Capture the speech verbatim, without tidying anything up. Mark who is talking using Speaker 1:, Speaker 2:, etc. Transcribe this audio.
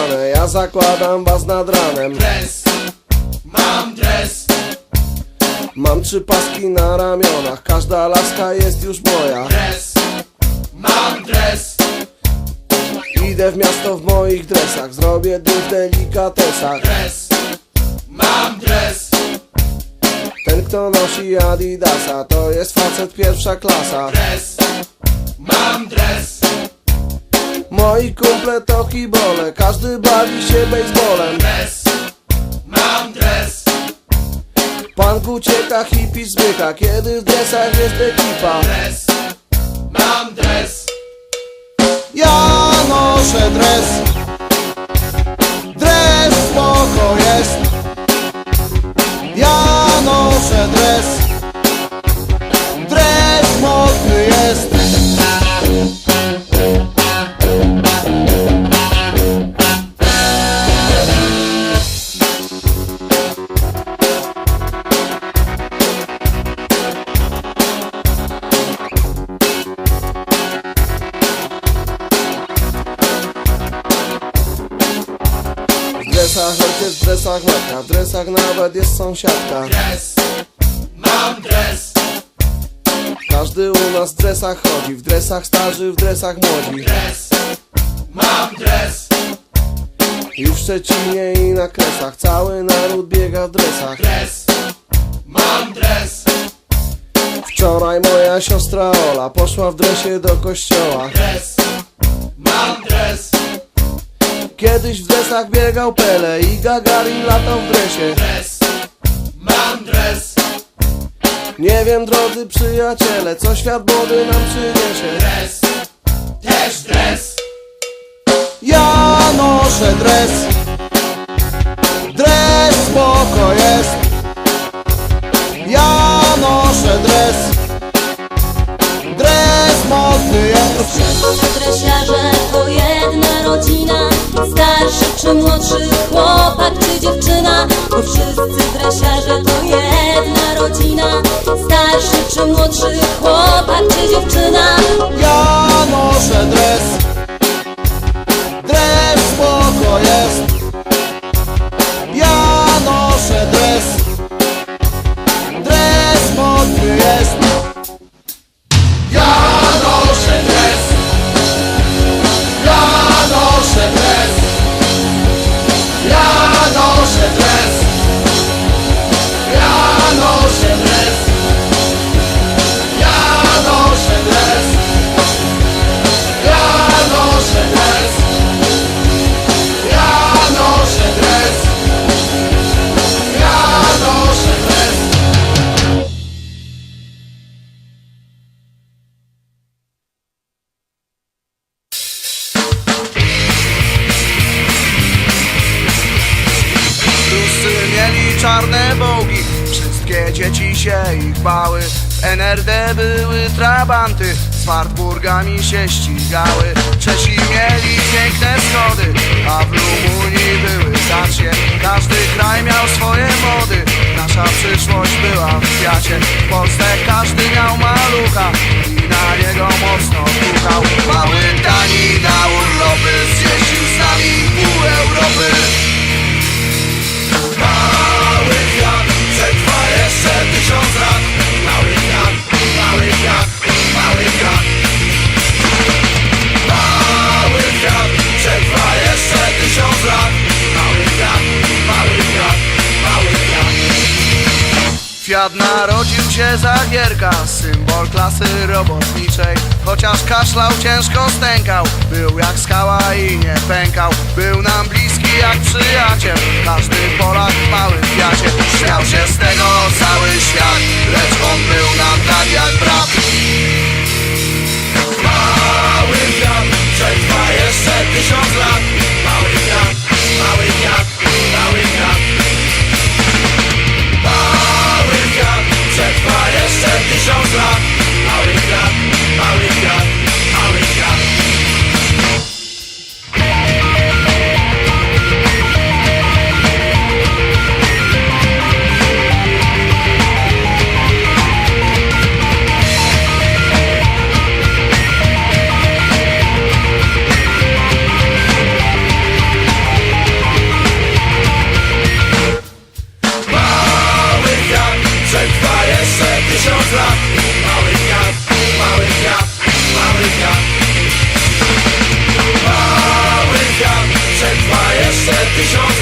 Speaker 1: zmienione, ja zakładam was nad ranem.
Speaker 2: Dres, mam dres.
Speaker 1: Mam trzy paski na ramionach, każda laska jest już moja.
Speaker 2: Dres, mam dres.
Speaker 1: Idę w miasto w moich dresach, zrobię dym w delikatesach.
Speaker 2: Dres, mam dres.
Speaker 1: Ten kto nosi Adidasa, to jest facet pierwsza klasa.
Speaker 2: Dres, mam dres.
Speaker 1: Moi kumple to kibole, każdy bawi się baseballem.
Speaker 2: Dres, mam dres.
Speaker 1: Punk ucieka, hippie zmyka, kiedy w dresach jest ekipa.
Speaker 2: Dres, mam dres.
Speaker 1: Ja noszę dres. Dres spoko jest. Ja noszę dres. Dres modny jest. W dresach ojciec, w dresach matka, w dresach nawet jest sąsiadka.
Speaker 2: Dres, mam dres.
Speaker 1: Każdy u nas w dresach chodzi, w dresach starzy, w dresach młodzi.
Speaker 2: Dres, mam dres.
Speaker 1: I w Szczecinie i na Kresach cały naród biega w dresach.
Speaker 2: Dres, mam dres.
Speaker 1: Wczoraj moja siostra Ola poszła w dresie do kościoła.
Speaker 2: Dres, mam dres.
Speaker 1: Kiedyś w dresach biegał Pele i Gagarin latał w dresie.
Speaker 2: Dres, mam dres.
Speaker 1: Nie wiem, drodzy przyjaciele, co świat młody nam przyniesie.
Speaker 2: Dres, też dres.
Speaker 1: Ja noszę dres. Dres spoko jest. Ja noszę dres. Dres modny jest.
Speaker 3: Wszyscy dresiarze to jedna rodzina, starszy czy młodszy chłopak czy dziewczyna. Bo wszyscy dresiarze to jedna rodzina, starszy czy młodszy chłopak czy dziewczyna.
Speaker 1: Ja noszę dres. Dres spoko jest. Ja noszę dres. Dres modny jest.
Speaker 2: Ja noszę dres. Ja noszę dres. Ja noszę dres. Ja noszę dres. Ja noszę dres. Ja noszę dres. Ja noszę dres. Ja noszę dres.
Speaker 1: Wszyscy mieli czarne bogi, wszystkie dzieci się ich bały. W N R D były trabanty, z Wartburgami się ścigały. Czesi mieli piękne schody, a w Rumunii były dacie. Każdy kraj miał swoje mody, nasza przyszłość była w kwiacie. W Polsce każdy miał malucha i na niego mocno pukał. Mały Dani na urlopy zjeździł z nami pół Europy.
Speaker 2: Mały kwiat przetrwa jeszcze tysiąc lat. Mały kwiat, mały kwiat, mały kwiat. Mały kwiat przetrwa jeszcze tysiąc lat. Mały kwiat, mały kwiat, mały kwiat.
Speaker 1: Kwiat narodził się za Gierka, symbol klasy robotniczej. Chociaż kaszlał, ciężko stękał, był jak skała i nie pękał. Był nam bliski jak przyjaciel, każdy Polak w małym Fiacie. Śmiał się z tego cały świat, lecz on był nam tak jak brat.
Speaker 2: Mały kwiat przetrwa jeszcze tysiąc lat. Mały kwiat, mały kwiat, mały kwiat. Mały kwiat przetrwa jeszcze tysiąc lat. Mały kwiat, mały kwiat, mały kwiat. tysiąc